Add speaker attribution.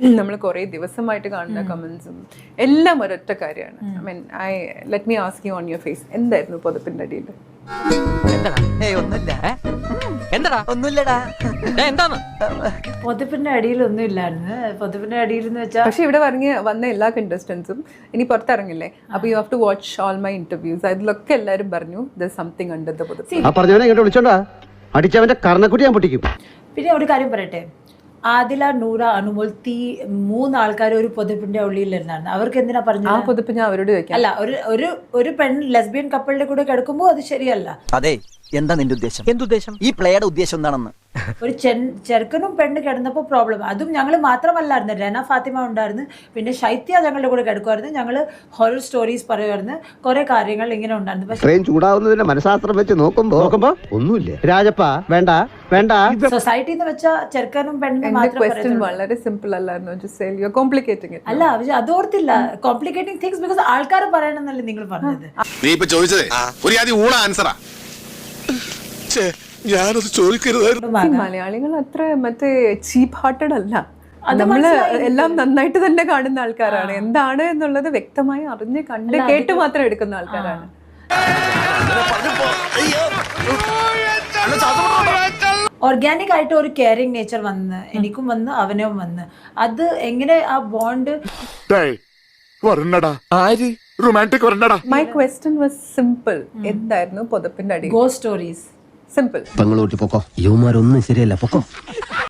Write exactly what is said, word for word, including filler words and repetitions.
Speaker 1: നമ്മൾ കുറേ ദിവസമായിട്ട് കാണുന്ന കമന്റ്സും എല്ലാം ഒരൊറ്റ കാര്യമാണ്. I mean I let me ask you on your face, എന്തായിരുന്നു പുതപ്പിന്റെ അടിയിൽ?
Speaker 2: പൊതുപ്പിന്റെ അടിയിലൊന്നും ഇല്ലായിരുന്നു. പൊതുപ്പിന്റെ അടിയിൽ എന്ന് വെച്ചാൽ
Speaker 1: പക്ഷെ ഇവിടെ പറഞ്ഞ് വന്ന എല്ലാ കണ്ടസ്റ്റൻസും ഇനി പുറത്തിറങ്ങില്ലേ, അപ്പൊ you have to watch all my interviews. അതിലൊക്കെ എല്ലാവരും പറഞ്ഞു ദർ സംതിങ് അണ്ടർ ദ പുതപ്പ്.
Speaker 3: പറഞ്ഞവനെ ഇങ്ങോട്ട് വിളിച്ചോണ്ടാ അടിച്ചവന്റെ കർണക്കുട്ടി ഞാൻ പൊട്ടിക്കും.
Speaker 2: പിന്നെ ഒരു കാര്യം പറയട്ടെ, ആദില, നൂറ, അനുമോൾ, തീ മൂന്ന് ആൾക്കാർ ഒരു പൊതുപ്പിന്റെ ഉള്ളിലിരുന്നായിരുന്നു. അവർക്ക് എന്തിനാ പറഞ്ഞു
Speaker 1: ആ പുതപ്പ് ഞാൻ അവരോട് ചോദിക്കാം.
Speaker 2: അല്ല, ഒരു ഒരു ഒരു പെൺ ലെസ്ബിയൻ കപ്പിളിന്റെ കൂടെ കിടക്കുമ്പോൾ അത് ശരിയല്ല.
Speaker 4: അതെ, എന്താ നിന്റെ ഉദ്ദേശം? എന്തുദ്ദേശം? ഈ പ്ലേയുടെ ഉദ്ദേശം എന്താണെന്ന്?
Speaker 2: ഒരു ചെറുക്കനും പെണ്ണ് കിടന്നപ്പോൾ പ്രോബ്ലം. അതും ഞങ്ങൾ മാത്രമല്ലായിരുന്നു, രന ഫാത്തിമ ഉണ്ടായിരുന്നു, പിന്നെ ശൈത്യ ഞങ്ങളുടെ കൂടെ കിടക്കുമായിരുന്നു. ഞങ്ങൾ ഹൊറർ സ്റ്റോറീസ് പറയുമായിരുന്നു, കുറെ കാര്യങ്ങൾ ഇങ്ങനെ ഉണ്ടായിരുന്നു. പക്ഷേ
Speaker 3: ചൂടാവുന്നതിന്റെ മനഃശാസ്ത്രം വെച്ച് നോക്കുമ്പോ നോക്കുമ്പോ ഒന്നുമില്ല. രാജപ്പ വേണ്ട വേണ്ട.
Speaker 2: സൊസൈറ്റി എന്ന് വെച്ചാൽ ചെറുക്കനും പെണ്ണിനും മാത്രം
Speaker 1: ക്വസ്റ്റ്യൻ വളരെ സിമ്പിൾ അല്ലായിരുന്നു. Just say you are complicating it.
Speaker 2: അല്ല, പക്ഷെ അതോർത്തില്ല കോംപ്ലിക്കേറ്റിംഗ് തിങ്സ് ബിക്കോസ് ആൾക്കാർ പറയണമെന്നല്ലേ നിങ്ങൾ പറഞ്ഞത്.
Speaker 5: നീ ഇപ്പൊ ചോദിച്ചതേ ഒരു ആദ്യം ഊള ആൻസറാ. ഞാനത് ചോദിക്കരുതായിരുന്നു.
Speaker 1: മലയാളികൾ അത്ര മറ്റേ ചീപ്പ് ഹാർട്ടഡ് അല്ല. നമ്മള് എല്ലാം നന്നായിട്ട് തന്നെ കാണുന്ന ആൾക്കാരാണ്. എന്താണ് എന്നുള്ളത് വ്യക്തമായി അറിഞ്ഞ് കണ്ട് കേട്ട് മാത്രം എടുക്കുന്ന ആൾക്കാരാണ്.
Speaker 2: ഓർഗാനിക് ആയിട്ട് ഒരു കെയറിംഗ് നേച്ചർ വന്ന് എനിക്കും വന്ന് അവനും വന്ന് അത് എങ്ങനെ ആ bond.
Speaker 1: My question was simple. എന്തായിരുന്നു പുതപ്പിന്റെ അടി?
Speaker 2: Ghost stories.
Speaker 1: സിമ്പിൾ.
Speaker 3: പെങ്ങളൂട്ടി പൊക്കോ, യുവമാരൊന്നും ശരിയല്ല, പൊക്കോ.